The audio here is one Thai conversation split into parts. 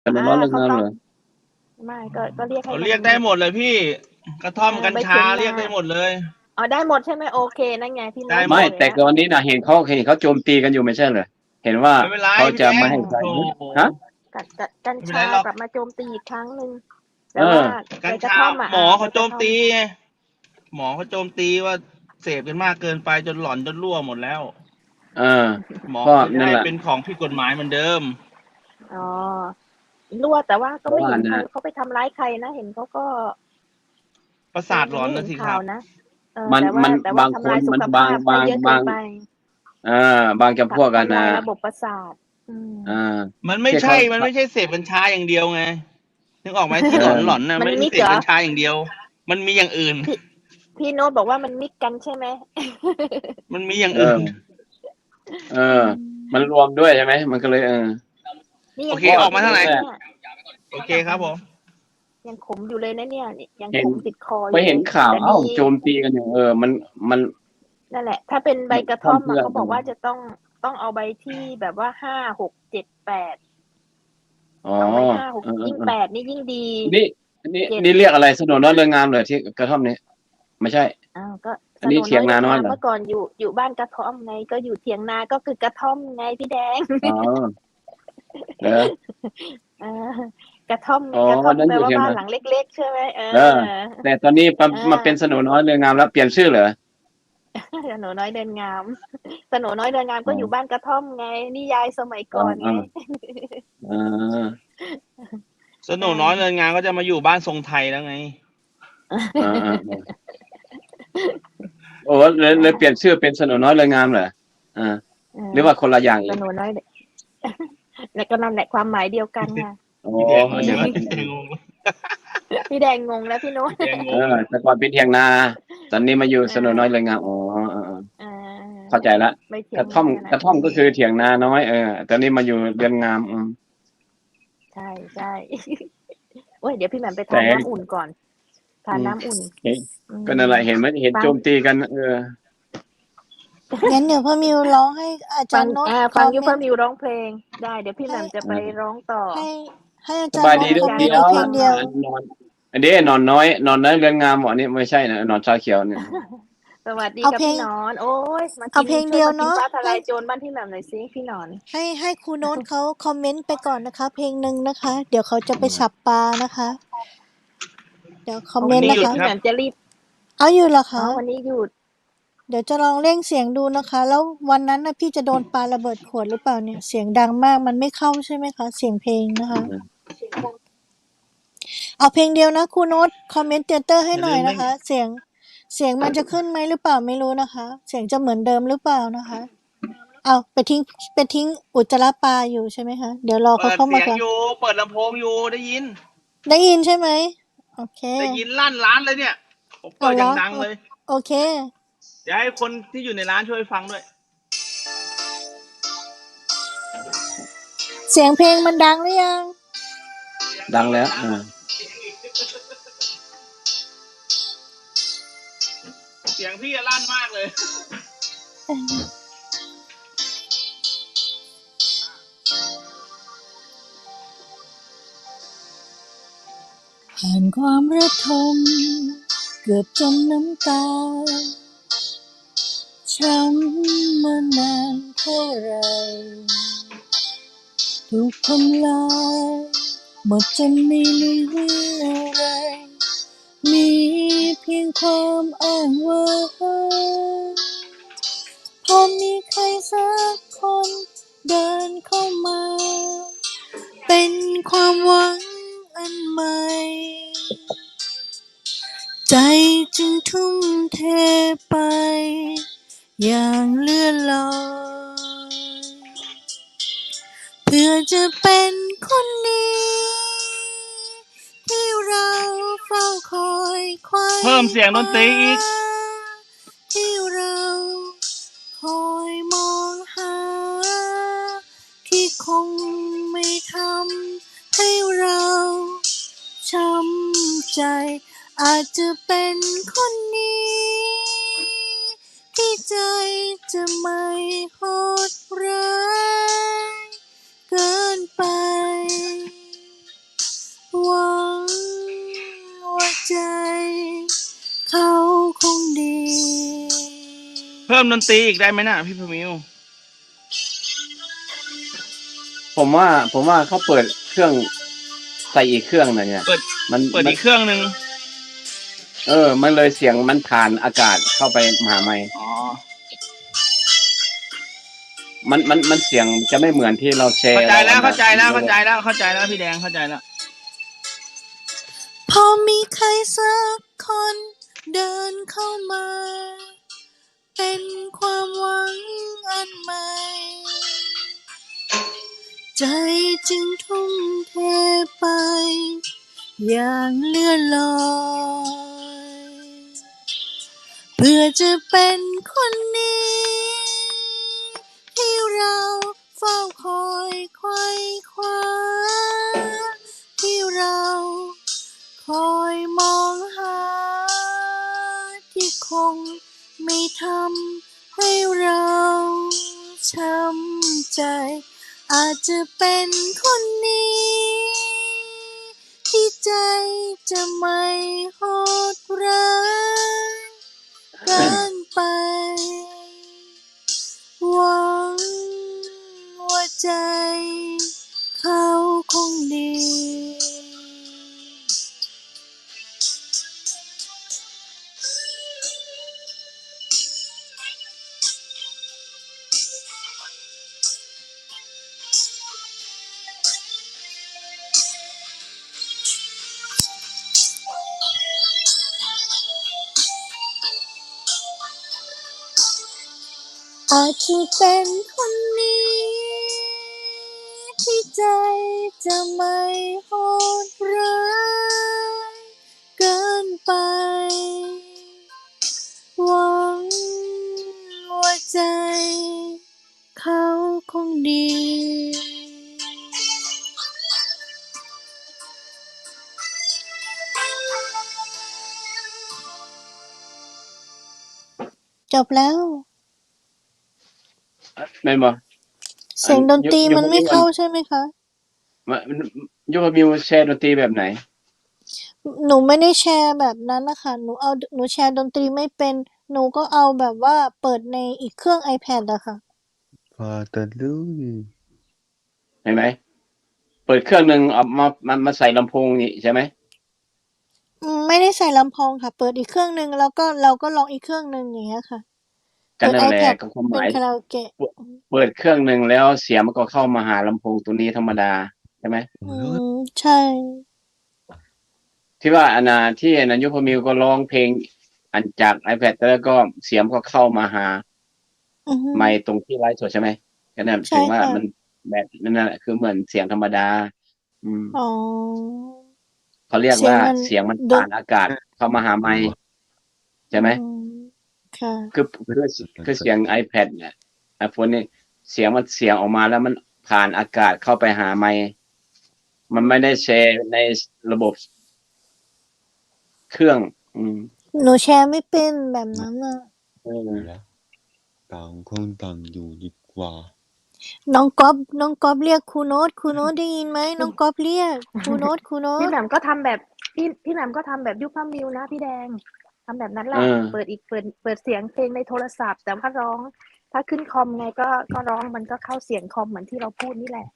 แต่มันร้อนเริงเขาต้องงามเหรอไม่ก็เรียกให้เขามันเรียกได้หมดเลยพี่กระท่อมกัญใบชาเถียงนาเรียกได้หมดเลยอ๋อได้หมดใช่ไหมโอเคนั่นไงพี่โน้ได้หมไม่ตบอกดแล้วแต่ก่อนนี้นะเห็นเขาโจมตีกันอยู่ไม่ใช่เหรอเห็นว่าไม่เป็นไรเขาพี่แดงจะไม่ให้ใช้โอ้โหฮะกัญไม่เป็นไรชาหรอกกลับมาโจมตีอีกครั้งหนึ่งเอแต่ว่าอใบกัญชากระท่อมหมอใบเขาโจมกระท่อมตีไงหมอเขาโจมตีว่าเสพกันมากเกินไปจนหลอนจนรั่วหมดแล้วเออหมอก็เขาจะนั่นแหละให้เป็นของผิดกฎหมายเหมือนเดิมอ๋อรั่วแต่ว่าเพราะว่าก็ไม่เห็นใครนะเขาไปทำร้ายใครนะเห็นเขาก็ประสาทหลอนยังไม่เห็นนะสิครับข่าวนะมันมันแต่ว่าบางคทำลายสุนมันขภาพไปเยอะเกินไปบางจำพวกกันนะทำลายระบบประสาทอ่ามันไม่ที่เขาใช่มันไม่ใช่เสพกัญชาอย่างเดียวไงนึกออกไหมที่หลอนหลเอออนนะมันไม่ใช่มิกเหรอเสพกัญชาอย่างเดียวมันมีอย่างอื่นพี่โน้ตบอกว่ามันมิกกันใช่ไหมมันมีอย่างเออื่นอเออมันรวมด้วยใช่ไหมมันก็เลยนี่โอยังเคขมออกมาเท่าไหร่อยู่เลยเนี่ยโอเคครับผมยังขมอยู่เลยนะเนี่ยยังเห็นขมติดคออไปยู่เลยเห็นข่าวแต่ดีโจมตีกันอยู่มันนั่นแหละถ้าเป็นใบกระท่อมพร่ำเพรื่อเขาบอกว่าจะต้องเอาใบที่แบบว่า5 6 7 8 อ๋อเอาใบ5 6ยิ่งเออ 8นี่ยิ่งดีนี่อันนี้เจ็ดนี่เรียกอะไรสนนน้อยเรืองามเลยที่กระท่อมนี้ไม่ใช่ก็อันนี้สโนน้อยเถียงนาเรืองงามน้อยเหรอเมื่อก่อนอยู่บ้านกระท่อมไงก็อยู่เถียงนาก็คือกระท่อมไงพี่แดงอ๋อเหรอเออกระท่อมอ๋อกระท่อมนั้นแปลว่าอยู่เถียงนาบ้านหลังเล็กๆใช่ไหมเออแต่ตอนนี้เอมาเป็นสอนน้อยเรืองงามแล้วเปลี่ยนชื่อเหรอสโหนน้อยเดินงามสโหนน้อยเดินงามอ๋อก็อยู่บ้านกระท่อมไงนิยายสมัยอ๋อก่อนไงอ๋อสนุอ่กน้อยเงิานงานก็จะมาอยู่บ้านทรงไทยแล้วไงอ๋อโอ้เลยเปลี่ยนชื่อเป็นสนน้อยเรืองงามเหรออ่าหรือว่าคนละอย่างสอีกโหนน้อยและก็นั่นแหละความหมายเดียวกันค่ะอ๋อพี่แดงงงเดี๋ยวแล้วก็พี่แดงงงแล้วพี่แดงงงแล้วพี่โน้ตพี่แดงงงแต่ก่อนเป็นเถียงนาตอนนี้มาอยู่อ่สนน้อยเรืาองงามอ๋ออ่าเข้าใจละไม่เถียงกระท่อมนานะกระท่อมก็คือเถียงนาน้อยตอนนี้มาอยู่เรือนงามใช่ใช่โอ้ยเดี๋ยวพี่แหม่มไปแต่ทานน้ำอุ่นก่อนทานน้ำอุ่นเห็นก็นั่นแหละเห็นไหมเห็นฟังโจมตีกันงั้นเดี๋ยวพ่อมิวร้องให้อาฟังจารย์โน้ตคฟังอมเมนต์ยูเฟอร์มิวร้องเพลงได้เดี๋ยวพี่แหให้ม่มจะไปร้องต่อให้ให้อาสบายจารย์โน้ดีเด้อตคอมเมนต์อีเดียวกเพลงเดียวนอนอันนี้นอนน้อยเรือนงามอันนี้ไม่ใช่นะนอนชาเขียวเนี่ยสวัสดีเอาเพลงครับพี่หนอนโอ้ยมาเอากินเพลงช่วยเดียวมากินเนาะฟ้าทลาให้ยโจรบ้านพี่แหม่มหน่อยสิพี่หนอนให้ครูโน้ตเขาคอมเมนต์ไปก่อนนะคะ เพลงหนึ่งนะคะ เดี๋ยวเขาจะไปฉับปลานะคะ เดี๋ยวคอมโอเมเคนต์นะวันนี้หยุดคะพี่แหครับม่มจะรีบเอาอยู่เหรออ๋อคะวันนี้หยุดเดี๋ยวจะลองเร่งเสียงดูนะคะ แล้ววันนั้นนะพี่จะโดนปาระเบิดขวดหรือเปล่าเนี่ยเสียงดังมากมันไม่เข้าใช่ไหมคะเสียงเพลงนะคะ เอาเพลงเดียวนะครูโน้ตคอมเมนต์เตอร์ให้อย่าหน่ลืมเล่นอยนะคะ เสียงมันจะขึ้นไหมหรือเปล่าไม่รู้นะคะ เสียงจะเหมือนเดิมหรือเปล่านะคะเอาไปทิ้งอุจจาระปลาอยู่ใช่ไหมคะเดี๋ยวรอเขาเปิดเข้ามาก่อนเสียงอยู่เปิดลำโพงอยู่ได้ยินได้ยินใช่ไหมโอเคได้ยินลั่นร้านเลยเนี่ยผมเปิดอเอาเหรอย่างดังเลยโอเคเดี๋ยวให้คนที่อยู่ในร้านช่วยฟังด้วยเสียงเพลงมันดังหรือยังดังแล้วเสียงพี่ลั่นมากเลยผ่านความระทมเกือบจมน้ำตาช้ำมานานเท่าไรถูกทำลายหมดจนไม่เหลืออะไรมีเพียงความอ้างว้างพอมีใครสักคนเดินเข้ามาเป็นความหวังอันใหม่ใจจึงทุ่มเทไปอย่างเลื่อนลอยเพื่อจะเป็นคนนี้ที่เราเฝ้าคอยไขว่เพิ่มเสียงดนตรีอีกที่เราคอยมองหาที่คงไม่ทำให้เราช้ำใจอาจจะเป็นคนนี้ที่ใจจะไม่โหดร้ายเกินไปพิ่มดนตรีอีกได้ไหมนะพี่พมิวผมว่าเขาเปิดเครื่องใส่อีกเครื่องหน่อยเนี่ยเปิดมันเปิดอีกเครื่องหนึ่งมันเลยเสียงมันผ่านอากาศเข้าไปมหาไมค์อ๋อมันเสียงจะไม่เหมือนที่เราแชร์เข้าใจแล้วอเข้าใจแล้วมันเข้าใจแล้วเข้าใจแล้วพี่แดงเข้าใจแล้วพอมีใครสักคนเดินเข้ามา เป็นความหวังอันใหม่ ใจจึงทุ่มเทไป อย่างเลื่อนลอยเพื่อจะเป็นคนนี้ ที่เราเฝ้าคอยไขว่คว้าที่เราคอยมองหา ที่คงไม่ทำให้เราช้ำใจ อาจจะเป็นคนนี้ ที่ใจจะไม่โหดร้ายเกินไป หวังว่าใจเขาคงดี อาจจะเป็นคนนี้ ที่ใจจะไม่โหดร้ายเกินไป หวังว่าใจเขาคงดี จบแล้วแม่นบ่เสียงดนตรีมันไม่เข้ายุใช่ไหมคะยุพมิวแชร์ดนตรีแบบไหนหนูไม่ได้แชร์แบบนั้นนะคะหนูแชร์ดนตรีไม่เป็น หนูก็เอาแบบว่าเปิดในอีกเครื่อง iPad อะค่ะพอจะรู้เห็นไหม เปิดเครื่องหนึ่งเอามาใส่ลำโพงนี่ใช่ไหมไม่ได้ใส่ลำโพงค่ะ เปิดอีกเครื่องหนึ่งแล้วก็เราก็ลองอีกเครื่องหนึ่งอย่างเงี้ยค่ะกันนั่นแหละ iPad ก็ความหเป็นมายคาราโอเกะเปิดเครื่องหนึ่งแล้วเสียงมันก็เข้ามาหาลำโพงตัวนี้ธรรมดาใช่ไหมใช่ที่ว่าที่ยุพมิวก็ร้องเพลงอันจาก iPad แล้วก็เสียงก็เข้ามาหาอือฮึไมค์ตรงที่ไลฟ์สดใช่ไหมก็นั่นใช่ถึงว่าค่ะมันแบบนั่นแหละคือเหมือนเสียงธรรมดาอ๋อเขาเรียกเสียงว่ามันเสียงมันดนผ่านอากาศเข้ามาหาไมค์ใช่ไหมค่ะคือเสียง iPad เนี่ย iPhone นี่เสียงออกมาแล้วมันผ่านอากาศเข้าไปหาไมค์มันไม่ได้แชร์ในระบบเครื่องหนูแชร์ไม่เป็นแบบนั้นน่ะแล้วต่างคนต่างอยู่ดีกว่าน้องก๊อฟเรียกครูโน้ตได้ยินไหมน้องก๊อฟเรียกครูโน้ตพี่แหม่มก็ทำแบบพี่แหม่มก็ทำแบบยุคพ่อมิวนะพี่แดงทำแบบนั้นแหละ เปิดเสียงเพลงในโทรศัพท์ แต่ว่าร้อง ถ้าขึ้นคอมไงก็ร้องมันก็เข้าเสียงคอมเหมือนที่เราพูดนี่แหละ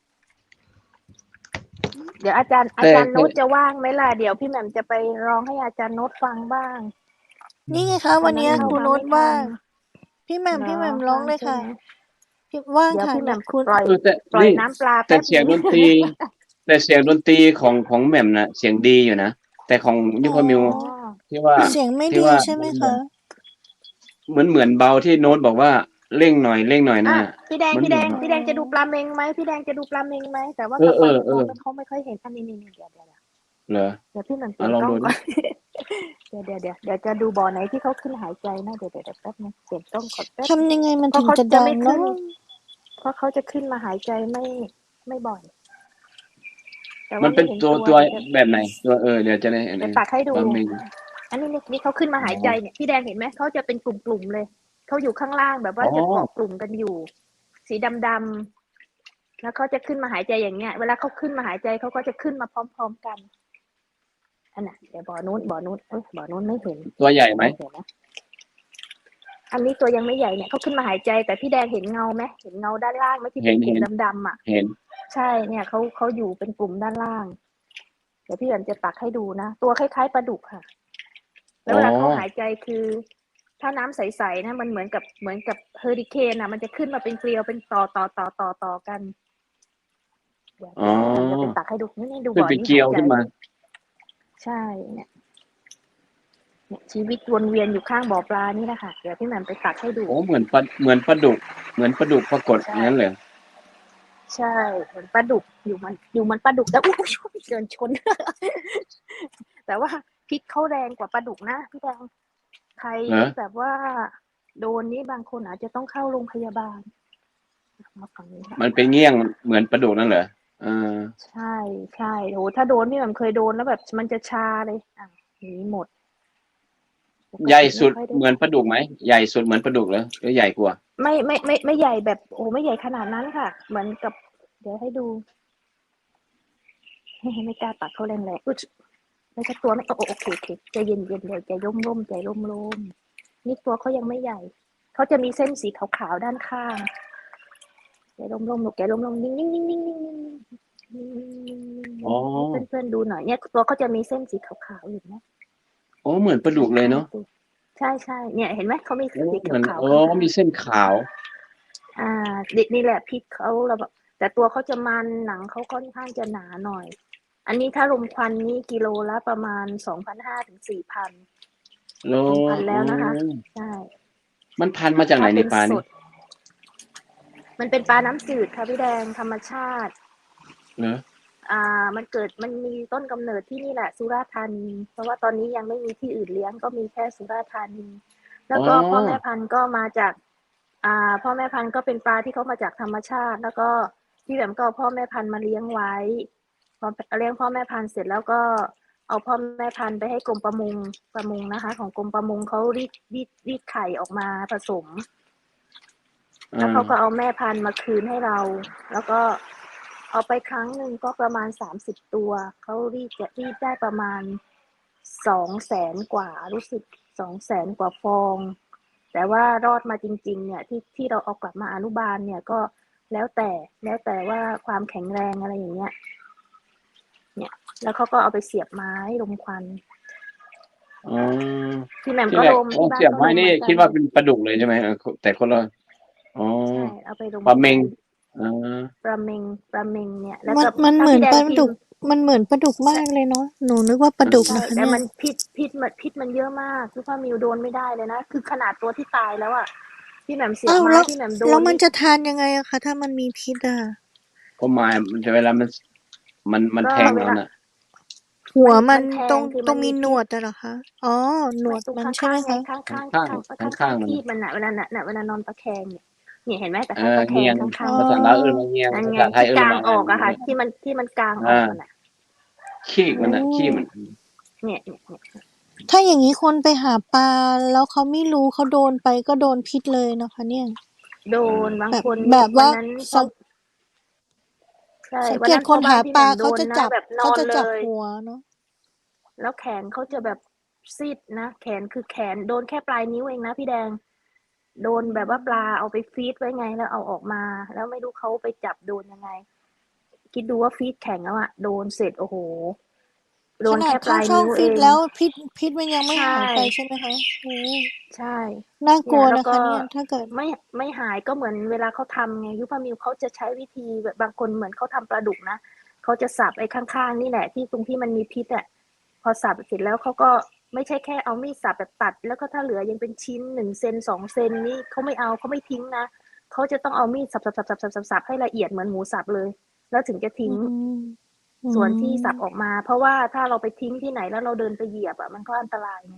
เดี๋ยวอาจารย์โน้ตจะว่างไหมล่ะเดี๋ยวพี่แหม่มจะไปร้องให้อาจารย์โน้ตฟังบ้างนี่ไงคะวันนี้ครูโน้ตว่างพี่แหม่มร้องเลยค่ะพี่ว่างเดี๋ยวค่ะพี่แหม่มคุณปล่อยแต่นี่น้ำปลาแต่แป๊บเสียงนึดนตรี แต่เสียงดนตรีของแหม่มน่ะ เสียงดีอยู่นะ แต่ของยุพมิวอ๋อที่ว่าเสียงไม่ที่ดีว่าใช่ไหมคะเหมือนเบาที่โน้ตบอกว่าเร่งหน่อยนะพี่แดงมันพี่แดงเหมือนพี่แดงจะดูปลาเมงไหมพี่แดงจะดูปลาเมงไหมแต่ว่าเออกับปลาเออโน้ตเขาไม่ค่อยเห็นอันนี้เดี๋ยวเหรอเดี๋ยวพี่แหม่มเปลี่อ่ะยนลองกล้องดูก่ดิอน เดี๋ยวจะดูบ่อไหนที่เขาขึ้นหายใจนะเดี๋ยวแป๊บนึงเปลี่ยนกล้องก่อนแป๊บทำยังไงมันเพราะถึงเขาจะจะดังไม่ขึ้เนาะน เพราะเขาจะขึ้นมาหายใจไม่บ่อย แต่มัว่านเป็นไม่เห็นตัวตัวแบบไหนตัวเดี๋ยวจะได้เดี๋ยวตักให้ดูบะหมี่อันนี้นี่เขาขึ้นมาหายใจเนี่ยพี่แดงเห็นไหมเขาจะเป็นกลุ่มๆเลยเขาอยู่ข้างล่างแบบว่าอ๋อจะเกาะกลุ่มกันอยู่ สีดำๆแล้วเขาจะขึ้นมาหายใจอย่างเงี้ย เวลาเขาขึ้นมาหายใจเขาก็จะขึ้นมาพร้อมๆกันอันน่ะเดี๋ยวบ่อนู้นบ่อนู้นไม่เห็นตัวใหญ่ไหมเดี๋ยวนะอันนี้ตัวยังไม่ใหญ่เนี่ยเขาขึ้นมาหายใจแต่พี่แดงเห็นเงาไหมเห็นเงาด้านล่างไหมที่เป็นกลุ่มดำๆอ่ะเห็นใช่เนี่ยเขาอยู่เป็นกลุ่มด้านล่างเดี๋ยวพี่แหม่มจะตักให้ดูนะตัวคล้ายๆปลาดุกค่ะแล้วเวลาเขาหายใจคือถ้าน้ำใสๆนะมันเหมือนกับเฮอริเคนอ่ะมันจะขึ้นมาเป็นเกลียวเป็นต่อกันเดี๋ยวจะไปตักให้ดูนี่ดูบ่อเป็นเกลียวขึ้นมาใช่เนี่ยชีวิตวนเวียนอยู่ข้างบ่อปลานี่แหละค่ะเดี๋ยวพี่แหม่มไปตักให้ดูโอ้เหมือนปลาดุกปรากฏอย่างนั้นเลยใช่เหมือนปลาดุกอยู่มันปลาดุกแล้วอุ้ยเดินชน แต่ว่าพิษเขาแรงกว่าปลาดุกนะพี่แดงใครที่แบบว่าโดนนี้บางคนอาจจะต้องเข้าโรงพยาบาลมาฝั่งนี้มันเป็นเงี้ยงเหมือนปลาดุกนั่นเหรอใช่โหถ้าโดนพี่มันเคยโดนแล้วแบบมันจะชาเลยหนีหมดใหญ่สุดเหมือนปลาดุกไหมใหญ่สุดเหมือนปลาดุกเหรอหรือใหญ่กว่าไม่ใหญ่แบบโอ้ไม่ใหญ่ขนาดนั้นค่ะเหมือนกับเดี๋ยวให้ดูไม่กล้าตัดเขาแรงๆอุ๊ยไม่ใช่ตัวไม่โอเคใจเย็นๆเลยใจร่มนี่ตัวเขายังไม่ใหญ่เขาจะมีเส้นสีขาวๆด้านข้างใจร่มลูกใจร่มนิ่งเพื่อนๆดูหน่อยเนี่ยตัวเขาจะมีเส้นสีขาวๆอยู่นะโอ้เหมือนปลาดุกเลยเนาะใช่เนี่ยเห็นไหมเขามีสีขาวมีเส้นขาวนี่แหละพิษเขาเราแบบแต่ตัวเขาจะมันหนังเขาค่อนข้างจะหนาหน่อยอันนี้ถ้ารมควันนี่กิโลละประมาณ 2,500 ถึง 4,000 โลพันแล้วนะคะใช่มันพันมาจากไหนในปลานี่มันเป็นปลาน้ำจืดค่ะพี่แดงธรรมชาติเนอะมันมีต้นกำเนิดที่นี่แหละสุราษฎร์ธานีเพราะว่าตอนนี้ยังไม่มีที่อื่นเลี้ยงก็มีแค่สุราษฎร์ธานีแล้วก็พ่อแม่พันธุ์ก็มาจากพ่อแม่พันธุ์ก็เป็นปลาที่เขามาจากธรรมชาติแล้วก็ที่แบบก็พ่อแม่พันธุ์มาเลี้ยงไว้พอเลี้ยงพ่อแม่พันธุ์เสร็จแล้วก็เอาพ่อแม่พันธุ์ไปให้กรมประมงนะคะของกรมประมงเขารีดไข่ออกมาผสมแล้วเขาก็เอาแม่พันธุ์มาคืนให้เราแล้วก็เอาไปครั้งหนึ่งก็ประมาณ30ตัวเขารีดได้ประมาณ200,000 กว่ารู้สึก200,000 กว่าฟองแต่ว่ารอดมาจริงๆเนี่ยที่เราเอากลับมาอนุบาลเนี่ยก็แล้วแต่ว่าความแข็งแรงอะไรอย่างเงี้ยเนี่ยแล้วเขาก็เอาไปเสียบไม้ลมควันที่แหม่มก็ลมที่บ้านเสียบไม้นี่คิดว่าเป็นปลาดุกเลยใช่ไหมแต่คนละใช่เอาไปลมปลาเมงปลาเมงเนี่ยแล้วมันเหมือนปลาดุกมันเหมือนปลาดุกมากเลยเนาะหนูนึกว่าปลาดุกนะคะแต่มันพิษมันเยอะมากคือพ่อมิวโดนไม่ได้เลยนะคือขนาดตัวที่ตายแล้วอ่ะพี่แหม่มเสียบไม้พี่แหม่มโดนแล้วมันจะทานยังไงอะคะถ้ามันมีพิษอะก็ไม้มันจะเวลามันแทงแล้วน่ะหัวมันตรงมีหนวดเหรอคะอ๋อหนวดมันใช่ไหมคะข้างที่มันเวลานอนตะแคงเนี่ยเห็นไหมแต่ข้างตะแคงข้างภาษาลาวเงียงภาษาไทยกลางออกอะค่ะที่มันกลางออกมันอะขี้มันเนี่ยถ้าอย่างนี้คนไปหาปลาแล้วเขาไม่รู้เขาโดนไปก็โดนพิษเลยนะคะเนี่ยโดนบางคนแบบว่าสังเกตคนหาปลาเขาจะจับหัวเนาะแล้วแขนเขาจะแบบซีดนะแขนคือแขนโดนแค่ปลายนิ้วเองนะพี่แดงโดนแบบว่าปลาเอาไปฟีดไว้ไงแล้วเอาออกมาแล้วไม่รู้เขาไปจับโดนยังไงคิดดูว่าฟีดแข็งแล้วอะโดนเสร็จโอ้โหโดนแค่ปลายนิ้วเองแล้วพิษมันยังไม่หายไปใช่ไหมคะใช่น่ากลัวนะคะเนี่ยถ้าเกิดไม่หายก็เหมือนเวลาเขาทำไงยุพามิวเขาจะใช้วิธีแบบบางคนเหมือนเขาทำปลาดุกนะเขาจะสับไอ้ข้างๆนี่แหละที่ตรงที่มันมีพิษอะพอสับเสร็จแล้วเขาก็ไม่ใช่แค่เอามีดสับแบบตัดแล้วก็ถ้าเหลือยังเป็นชิ้น1 เซน2 เซนนี่เขาไม่เอาเขาไม่ทิ้งนะเขาจะต้องเอามีดสับให้ละเอียดเหมือนหมูสับเลยแล้วถึงจะทิ้งส่วนที่สับออกมาเพราะว่าถ้าเราไปทิ้งที่ไหนแล้วเราเดินไปเหยียบอ่ะมันก็อันตรายไง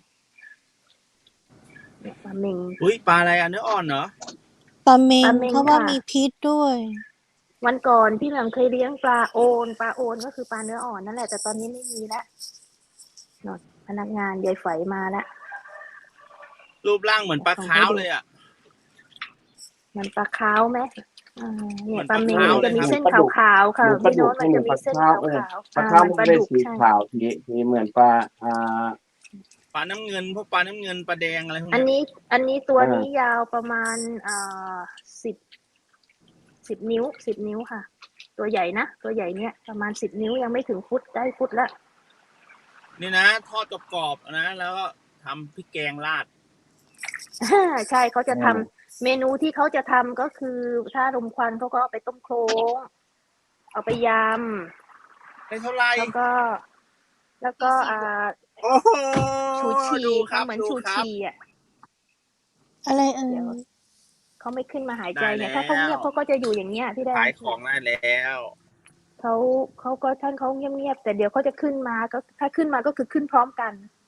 ปลาเมงปลาอะไรเนื้ออ่อนเหรอปลาเมงเพราะว่ามีพิษด้วยวันก่อนพี่แหม่มเคยเลี้ยงปลาโอนก็คือปลาเนื้ออ่อนนั่นแหละแต่ตอนนี้ไม่มีแล้วพนักงานยายไฝมาแล้วรูปร่างเหมือนปลาขาวเลยอ่ะมันปลาขาวไหมเนี่ยปลาเมงจะมีเส้นขาวๆค่ะพี่โน้ตมันจะมีเส้นขาวปลาขาวมันเป็นสีขาวทีเหมือนปลาปลาน้ำเงินพวกปลาน้ำเงินปลาแดงอะไรพวกอันเนี้ยนี้ตัวนี้ยาวประมาณ10 นิ้ว10 นิ้วค่ะ ตัวใหญ่นะตัวใหญ่เนี่ยประมาณ10 นิ้วยังไม่ถึงฟุตได้ฟุตละนี่นะทอดกรอบๆนะแล้วก็ทำพริกแกงราดใช่เขาจะทำเมนูที่เขาจะทำก็คือถ้ารมควันเขาก็เอาไปต้มโคลงเอาไปยได้เท่าไหร่ำแล้วก็โอ้โหชูชีดูครับเหมือนดูชูครับชีอ่ะอะไรเอ่เดี๋ยวย เขาไม่ขึ้นมาหายใจเนี่ยได้แล้วถ้าเขาเงียบเขาก็จะอยู่อย่างเงี้ยพี่แดงขายของได้แล้วเขาก็ท่านเขาเงียบๆแต่เดี๋ยวเขาจะขึ้นมาก็ถ้าขึ้นมาก็คือขึ้นพร้อมกัน